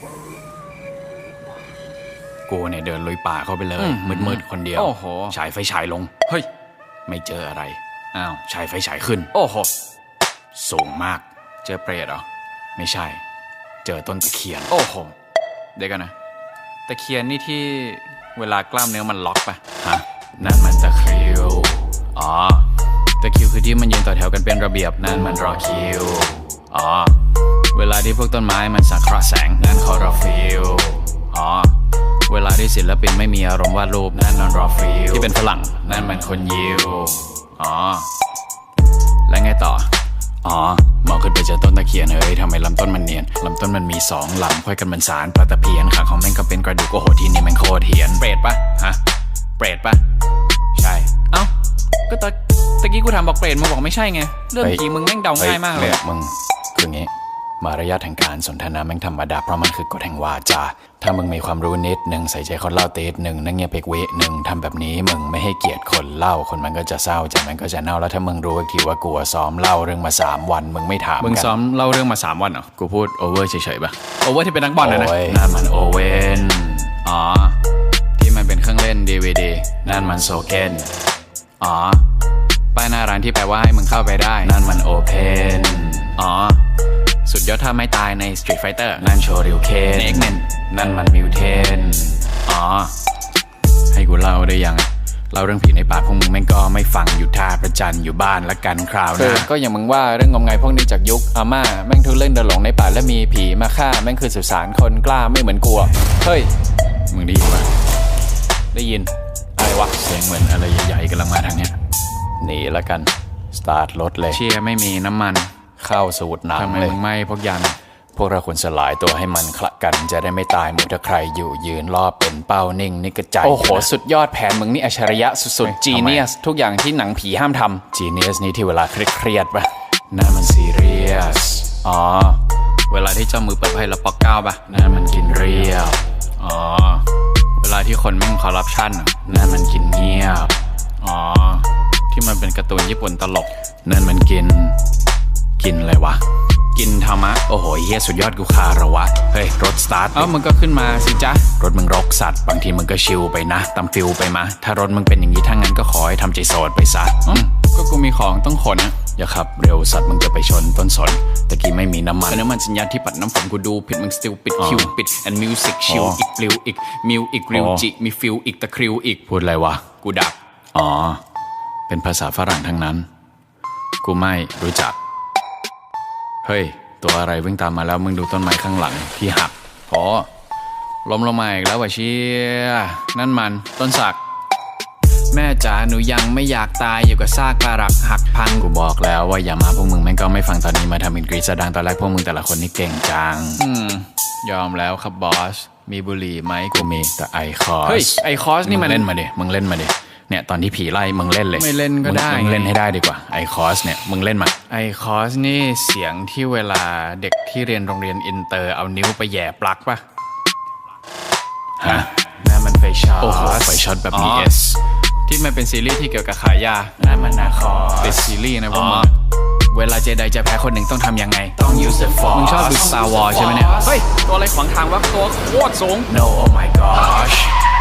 กูเนี่ยเดินลุยป่าเข้าไปเลยมืดๆคนเดียวโอ้โหฉายไฟฉายลงเฮ้ยไม่เจออะไรอ้าวฉายไฟฉายขึ้นโอ้โหสูงมากเจอเปรตเหรอไม่ใช่เจอต้นตะเคียนโอ้โหเดี๋ยวกันนะตะเคียนนี่ที่เวลากล้ามเนื้อมันล็อกปะฮะนั่นมันตะคริวอ๋อตะคริวคือที่มันยืนต่อแถวกันเป็นระเบียบนั่นมันรอคิวอ๋อเวลาที่พวกต้นไม้มันสังเคราะห์แสงนั่นคอรอฟิลอ๋อเวลาที่ศิลปินไม่มีอารมณ์วาดรูปนั่นนอนรอฟิลที่เป็นฝรั่งนั่นมันคนยิวอ๋อแล้วไงต่ออ๋อมองขึ้นไปเจอต้นตะเคียนเฮ้ยทำไมลำต้นมันเนียนลำต้นมันมี2 ลำค่อยกันมันสารปลาตะเพียนขาของแม่งก็เป็นกระดูกโอ้โหที่นี่แม่งโคตรเหียนเปรตปะฮะเปรตปะใช่เอ้าก็ตะกี้กูถามบอกเปรตมึงบอกไม่ใช่ไงเรื่องกี้มึงแม่งเดาง่ายมากเลยมึงคืองี้มารยาทแห่งการสนทนาแม่งธรรมดาเพราะมันคือกฎแห่งวาจาถ้ามึงมีความรู้นิดนึงใส่ใจคนเล่าติดนึงนั่งเงียบไปเวนึงทำแบบนี้มึงไม่ให้เกียรติคนเล่าคนมันก็จะเศร้าใจมันก็จะเน่าแล้วถ้ามึงรู้อีกทีว่ากูซ้อมเล่าเรื่องมา3 วันมึงไม่ถามมึงซ้อมเล่าเรื่องมา3 วันเหรอกูพูดโอเวอร์เฉยๆป่ะโอเวอร์ที่เป็นนักบอลนะนั่นมันโอเว่นอ๋อที่มันเป็นเครื่องเล่น DVD นั่นมันโซเก้นอ๋อป้ายหน้าร้านที่แปลว่าให้มึงเข้าไปได้นั่นมันโอเพนอ๋อสุดยอดท่าไม่ตายใน Street Fighter นั่นโชริวเคนใน X-Men นั่นมันมิวเทนอ๋อให้กูเล่าได้ยังเล่าเรื่องผีในป่าพวกมึงแม่งก็ไม่ฟังอยู่ท่าประจันอยู่บ้านละกันคราวนะก็อย่างมึงว่าเรื่องงมงายพวกนี้จากยุคอาม่าแม่งทุเล่นเดินหลงในป่าและมีผีมาฆ่าแม่งคือสุสานคนกล้าไม่เหมือนกลัวเฮ้ยมึงได้ยินปะได้ยินอะไรวะเสียงเหมือนอะไรใหญ่ๆกำลังมาทางเนี้ยหนีละกันสตาร์ทรถเลยเชียร์ไม่มีน้ำมันเข้าสูตรหนักเลยทำไมมึงไม่พกยันพวกเราควรสลายตัวให้มันคละกันจะได้ไม่ตายหมดถ้าใครอยู่ยืนรอบเป็นเป้านิ่งนี่กระจายโอ้โหสุดยอดแผนมึงนี่อัจฉริยะสุดๆจีเนียสทุกอย่างที่หนังผีห้ามทำจีเนียสนี่ที่เวลาเครียดๆป่ะนั่นมันซีเรียสอ๋อเวลาที่เจ้ามือเปิดไพ่แล้วปอกเก้าป่ะนั่นมันกินเรียบอ๋อเวลาที่คนแม่งคอร์รัปชันนั่นมันกินเงียบอ๋อที่มันเป็นการ์ตูนญี่ปุ่นตลกนั่นมันกินอะไรวะกินธรรมะโอ้โหเฮียสุดยอดกูคาระวะเฮ้ยรถสตาร์ทมึงก็ขึ้นมาสิจ๊ะรถมึงรกสัตว์บางทีมึงก็ชิลไปนะตามฟิลไปมาถ้ารถมึงเป็นอย่างนี้ถ้างั้นก็ขอให้ทำใจโสดไปซะก็กูมีของต้องขนนะอย่าขับเร็วสัตว์มึงจะไปชนต้นสนตะกี้ไม่มีน้ำมันน้ำมันสัญญาณที่ปัดน้ำฝนกูดูผิดมึงสติลปิดคิวปิด and music ชิลอีกปลิวอีกมิวอีกริวจิมีฟิลอีกตะคริวอีกพูดอะไรวะกูดักอ๋อเป็นภาษาฝรั่งทั้งนั้นกูไม่รู้จักเฮ้ยตัวอะไรวิ่งตามมาแล้วมึงดูต้นไม้ข้างหลังที่หักล้มลงมาอีกแล้ววะเชี่ยนั่นมันต้นสักแม่จ๋าหนูยังไม่อยากตายอยู่กับซากปรักหักพังกูบอกแล้วว่าอย่ามาพวกมึงแม่งก็ไม่ฟังตอนนี้มาทำอินกรีซดังตอนแรกพวกมึงแต่ละคนนี่เก่งจังยอมแล้วครับบอสมีบุหรี่ไหมกูมีแต่ไอคอสเฮ้ยไอคอสนี่มันเล่นมาดิมึงเล่นมาดิเนี่ยตอนที่ผีไล่มึงเล่นเลยไม่เล่นก็ได้มึงเล่นให้ได้ดีกว่าไอคอสเนี่ยมึงเล่นมาไอคอสนี่เสียงที่เวลาเด็กที่เรียนโรงเรียนอินเตอร์เอานิ้วไปแย่ปลั๊กป่ะฮะนั่นมันไฟช็อตโอ้โหไฟช็อตแบบมีเอสที่มันเป็นซีรีส์ที่เกี่ยวกับขายยานั่นมันนาคอเป็นซีรีส์นะพวกมึงเวลาเจไดจะแพ้คนหนึ่งต้องทำยังไงต้อง use the force มึงชอบดู Star Wars ใช่ไหมเนี่ยเฮ้ยตัวอะไรขวางทางวะตัวโคตรสูง no oh my gosh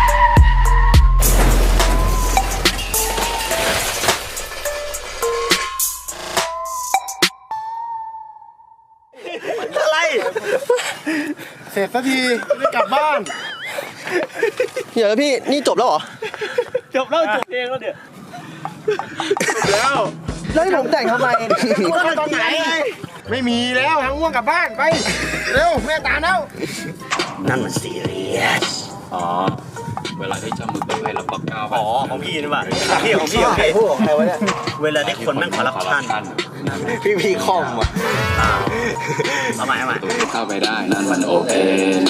เสร็จสักทีได้กลับบ้านเดี๋ยวพี่นี่จบแล้วเหรอจบแล้วจบเพลงแล้วเนี่ยแล้วให้ผมแต่งทำไมง่วงตอนไหนไม่มีแล้วทางง่วงกลับบ้านไปเร็วแม่ตามแล้วนั่นมันซีเรียสเวลาที่เจ้ามือเปิดไพ่แล้วปอกเก้าของพี่นี่ป่ะพี่ของพี่พูดของใครวะเนี่ยเวลาที่คนแม่งคอร์รัปชันพี่คอมอ่ะเอาใหม่เข้าไปได้นั่นมันโอเพน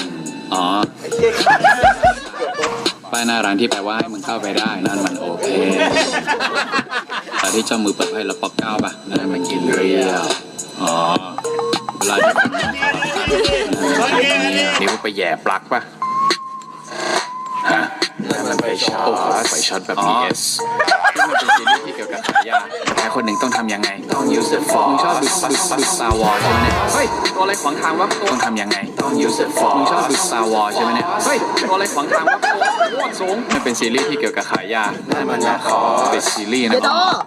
ป้ายหน้าร้านที่แปลว่าให้มึงเข้าไปได้นั่นมันโอเพนแต่ที่เจ้ามือเปิดไพ่แล้วปอกเก้าป่ะนั่นมันกินเรียลเวลาที่คนนั่งนิ้วไปแย่ปลั๊กป่ะฮะนั่นมันไฟช็อตไฟช็อตแบบ PS ที่มันเป็นซีรีส์ที่เกี่ยวกับขายยาแค่คนหนึ่งต้องทำยังไงต้อง use the force มึงชอบดู Star Wars ใช่ไหมเนี่ยเฮ้ยตัวอะไรขวางทางวะต้องทำยังไงต้อง use the force มึงชอบดู Star Wars ใช่ไหมเนี่ยเฮ้ยตัวอะไรขวางทางวะโคตรสูงมันเป็นซีรีส์ที่เกี่ยวกับขายยานั่นมันนะขอเป็นซีรีส์นะ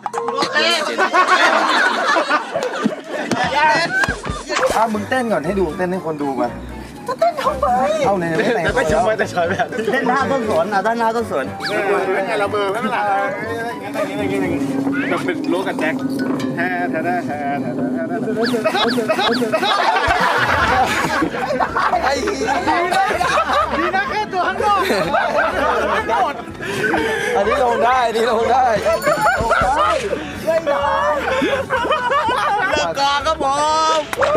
มึงเต้นก่อนให้ดูเต้นให้คนดูมาเต้นทำไมเอาเลยไม่ชมไปแต่ชอยแบบเล่นหน้าต้นสนอ่ะด้านหน้าต้นสนเป็นไงเราเบอร์ไม่เป็นไรแบบเป็นรู้กันแจ็คแฮ่แท้แท้แท้แท้ไอ้ดีนะแค่ตัวข้างนอกไม่หมดอันนี้ลงได้อันนี้ลงได้ไม่ได้เลิกก่อนครับผม